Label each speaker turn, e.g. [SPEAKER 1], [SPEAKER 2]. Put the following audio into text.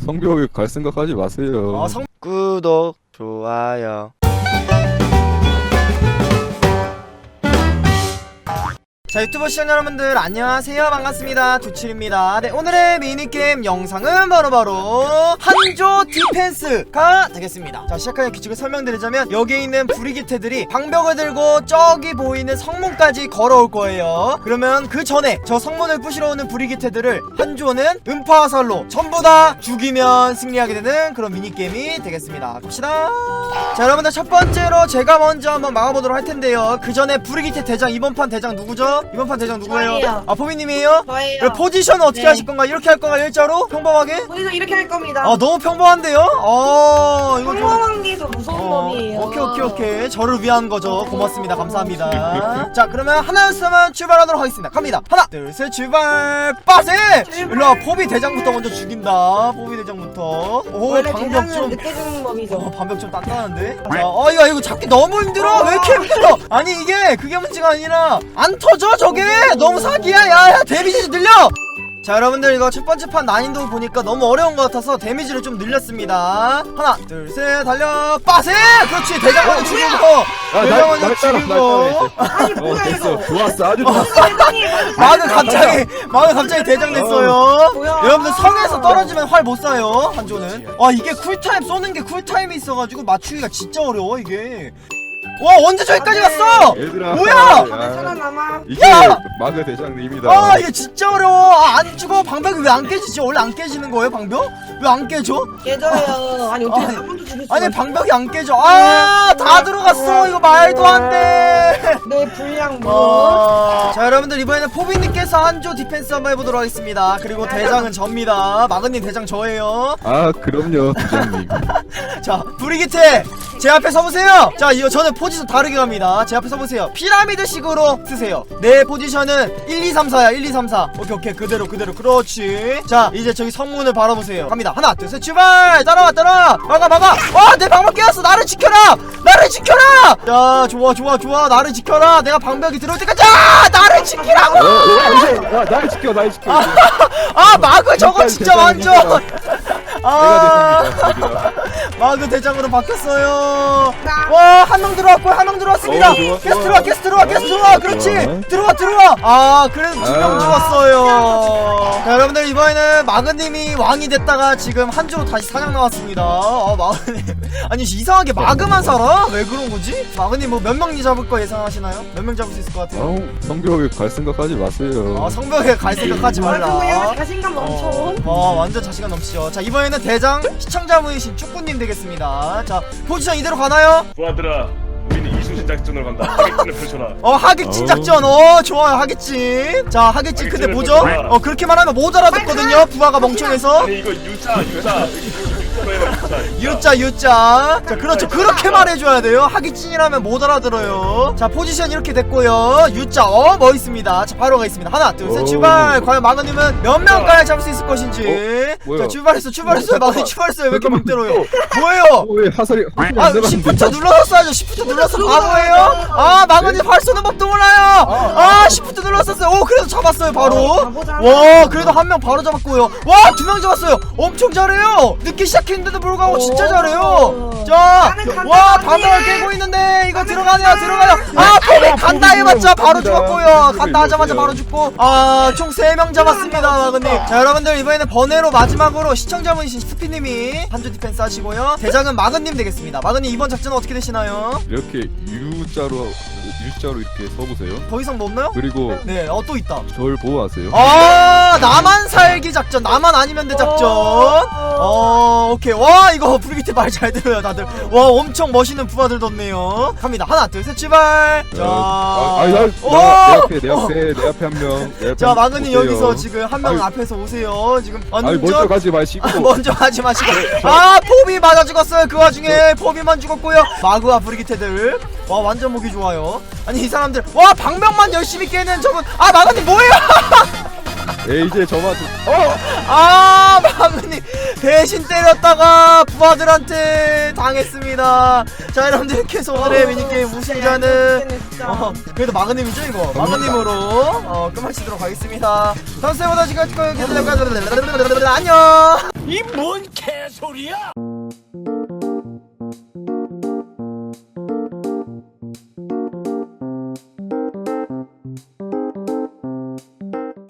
[SPEAKER 1] 성벽에 갈 생각하지 마세요.
[SPEAKER 2] 구독, 좋아요. 자, 유튜브 시청자 여러분들 안녕하세요. 반갑습니다. 두칠입니다. 네, 오늘의 미니게임 영상은 바로 한조 디펜스가 되겠습니다. 자, 시작하기 규칙을 설명드리자면 여기에 있는 브리기테들이 방벽을 들고 저기 보이는 성문까지 걸어올 거예요. 그러면 그 전에 저 성문을 부시러 오는 브리기테들을 한조는 음파화살로 전부 다 죽이면 승리하게 되는 그런 미니게임이 되겠습니다. 갑시다. 자, 여러분들 첫 번째로 제가 먼저 한번 막아보도록 할 텐데요. 그 전에 브리기테 대장, 이번 판 대장 누구죠? 이번 판 대장 누구예요?
[SPEAKER 3] 저예요.
[SPEAKER 2] 아, 포미님이에요?
[SPEAKER 3] 저예요.
[SPEAKER 2] 그럼 포지션은 어떻게
[SPEAKER 3] 네.
[SPEAKER 2] 하실 건가? 이렇게 할 건가? 일자로? 평범하게?
[SPEAKER 3] 거기서 이렇게 할 겁니다.
[SPEAKER 2] 아, 너무 평범한데요? 이거 좀
[SPEAKER 3] 평범한 게 더 무서운 놈이에요.
[SPEAKER 2] 오케이. 저를 위한 거죠. 고맙습니다. 감사합니다. 자, 그러면 하나였으면 출발하도록 하겠습니다. 갑니다. 하나, 둘, 셋, 출발! 빠세! 일로와, 포비 대장부터 먼저 죽인다. 포비 대장부터. 오,
[SPEAKER 3] 원래
[SPEAKER 2] 방벽
[SPEAKER 3] 대장은
[SPEAKER 2] 좀.
[SPEAKER 3] 늦게 죽는 놈이죠.
[SPEAKER 2] 방벽 좀 단단한데? 자, 이거 잡기 너무 힘들어! 왜 이렇게 힘들어! 아니, 그게 문제가 아니라, 안 터져, 저게! 너무 사기야! 야, 데미지 좀 늘려! 자, 여러분들 이거 첫 번째 판 난이도 보니까 너무 어려운 것 같아서 데미지를 좀 늘렸습니다. 하나, 둘, 셋, 달려! 빠세! 그렇지! 대장 먼저 죽이고! 대장 먼저 죽이고!
[SPEAKER 3] 아니 뭐야
[SPEAKER 1] 됐어.
[SPEAKER 3] 이거.
[SPEAKER 1] 좋았어. 아주 좋았어.
[SPEAKER 2] 마그 갑자기 대장 됐어요.
[SPEAKER 3] 뭐야.
[SPEAKER 2] 여러분들 성에서 떨어지면 활 못 쏴요. 한조는. 이게 쿨타임 쏘는 게 쿨타임이 있어가지고 맞추기가 진짜 어려워 이게. 와, 언제 저기까지 갔어?
[SPEAKER 1] 얘들아.
[SPEAKER 2] 뭐야?
[SPEAKER 3] 살아남아.
[SPEAKER 1] 이게
[SPEAKER 2] 야!
[SPEAKER 1] 마그 대장님이다.
[SPEAKER 2] 이게 진짜 어려워. 안 죽어. 방벽이 왜 안 깨지지? 원래 안 깨지는 거예요, 방벽? 왜 안 깨져?
[SPEAKER 3] 깨져요. 아니 어떻게 한 번도 죽일 수
[SPEAKER 2] 아니,
[SPEAKER 3] 없어.
[SPEAKER 2] 방벽이 안 깨져. 다 들어갔어. 이거 말도 안 돼.
[SPEAKER 3] 내 분량 뭐.
[SPEAKER 2] 자, 여러분들 이번에는 포비님께서 한조 디펜스 한번 해보도록 하겠습니다. 그리고 대장은 접니다. 마그님 대장 저예요.
[SPEAKER 1] 아, 그럼요, 대장님.
[SPEAKER 2] 자, 브리기테 제 앞에 서보세요. 자, 이거 저는 포지션 다르게 갑니다. 제 앞에 서보세요. 피라미드식으로 쓰세요. 내 포지션은 1, 2, 3, 4야. 1, 2, 3, 4. 오케이. 그대로. 그렇지. 자, 이제 저기 성문을 바라보세요. 갑니다. 하나, 둘, 셋, 출발! 따라와! 막아! 내 방벽 깨웠어! 나를 지켜라! 자, 좋아. 나를 지켜라! 내가 방벽이 들어올 때까지! 나를 지키라고!
[SPEAKER 1] 날 지켜.
[SPEAKER 2] 마그 저거 진짜 완전!
[SPEAKER 1] 내가 대장이다.
[SPEAKER 2] 마그 대장으로 바뀌었어요. 와, 한 명 들어왔고요. 한 명 들어왔습니다.
[SPEAKER 1] 좋아.
[SPEAKER 2] 계속 들어와. 그렇지. 들어와. 그래도 2명 죽었어요. 자, 여러분들 이번에는 마그님이 왕이 됐다가 지금 한주로 다시 사냥 나왔습니다. 마그님. 아니, 이상하게 마그만 살아? 왜 그런 거지? 마그님 뭐 몇 명 잡을 거 예상하시나요? 몇 명 잡을 수 있을 것 같아요?
[SPEAKER 1] 성벽에 갈 생각하지 마세요.
[SPEAKER 2] 성벽에 갈 생각하지 말라.
[SPEAKER 3] 그냥 자신감 넘쳐.
[SPEAKER 2] 완전 자신감 넘치죠. 자, 이번에는 대장 시청자분이신 축구님 되겠습니다. 자, 포지션 이대로 가나요?
[SPEAKER 4] 부하들아, 우리는 이순신 작전을 간다. 하객진을 펼쳐라.
[SPEAKER 2] 하객진 작전. 좋아요, 하객진. 자, 하객진 근데 뭐죠?
[SPEAKER 4] 펼쳐라.
[SPEAKER 2] 그렇게 말하면 못 알아듣거든요. 부하가 멍청해서.
[SPEAKER 4] 아니 이거 유자.
[SPEAKER 2] 유자. 자, 그렇죠. 그렇게 말해줘야 돼요. 하객진이라면 못 알아들어요. 자, 포지션 이렇게 됐고요. 유자. 멋있습니다. 자, 바로 가겠습니다. 하나, 둘, 셋, 출발. 과연 마그님은 몇 명까지 잡을 수 있을 것인지.
[SPEAKER 1] 뭐야?
[SPEAKER 2] 자, 출발했어요. 마그님 출발했어요. 왜 이렇게 막 때려요? 뭐예요?
[SPEAKER 1] 왜 화살이 안 들어갔는데?
[SPEAKER 2] 시프트 눌러서 쏴야죠. 시프트 눌러서 바보예요? 마그님 활 쏘는 법도 몰라요. 시프트 눌렀었어요. 그래도 잡았어요, 바로.
[SPEAKER 3] 바보잖아.
[SPEAKER 2] 와, 그래도 한 명 바로 잡았고요. 와, 2명 잡았어요. 엄청 잘해요. 늦게 시작했는데도 불구하고 진짜 잘해요. 자, 와, 방어를 깨고 있는데 이거 들어가네요. 포비 간다 해봤자 바로 죽었고요. 간다 하자마자 바로 죽고. 총 3명 잡았습니다, 마그님. 자, 여러분들 이번에는 번외로 마지막으로 시청자분이신 스피님이 한조 디펜스 하시고요. 대장은 마그님 되겠습니다. 마그님 이번 작전은 어떻게 되시나요?
[SPEAKER 1] 이렇게 U자로 이렇게 써보세요.
[SPEAKER 2] 더 이상 뭐 없나요?
[SPEAKER 1] 그리고
[SPEAKER 2] 네, 또 있다.
[SPEAKER 1] 절 보호하세요.
[SPEAKER 2] 나만 살기 작전, 나만 아니면 돼 작전. 오케이. 와, 이거 브리기테 말 잘 들어요, 다들. 와, 엄청 멋있는 부하들 뒀네요. 갑니다. 하나, 둘, 셋, 출발. 자,
[SPEAKER 1] 내 앞에 한 명.
[SPEAKER 2] 자, 마그님 여기서 지금 한 명 앞에서 오세요. 지금
[SPEAKER 1] 먼저 가지 마시고.
[SPEAKER 2] 먼저 하지 마시고. 포비 맞아 죽었어요. 그 와중에 포비만 죽었고요. 마그와 브리기테들. 와, 완전 보기 좋아요. 아니, 이 사람들. 와, 방벽만 열심히 깨는 저분. 마그님 뭐예요?
[SPEAKER 1] 이제 저만
[SPEAKER 2] 마그님 대신 때렸다가 부하들한테 당했습니다. 자, 여러분들 계속 오늘의 미니게임 우승자는 그래도 마그님이죠. 이거 마그님으로 끝마치도록 하겠습니다. 다음 세보다 지금 안녕.
[SPEAKER 5] 이 뭔 개소리야?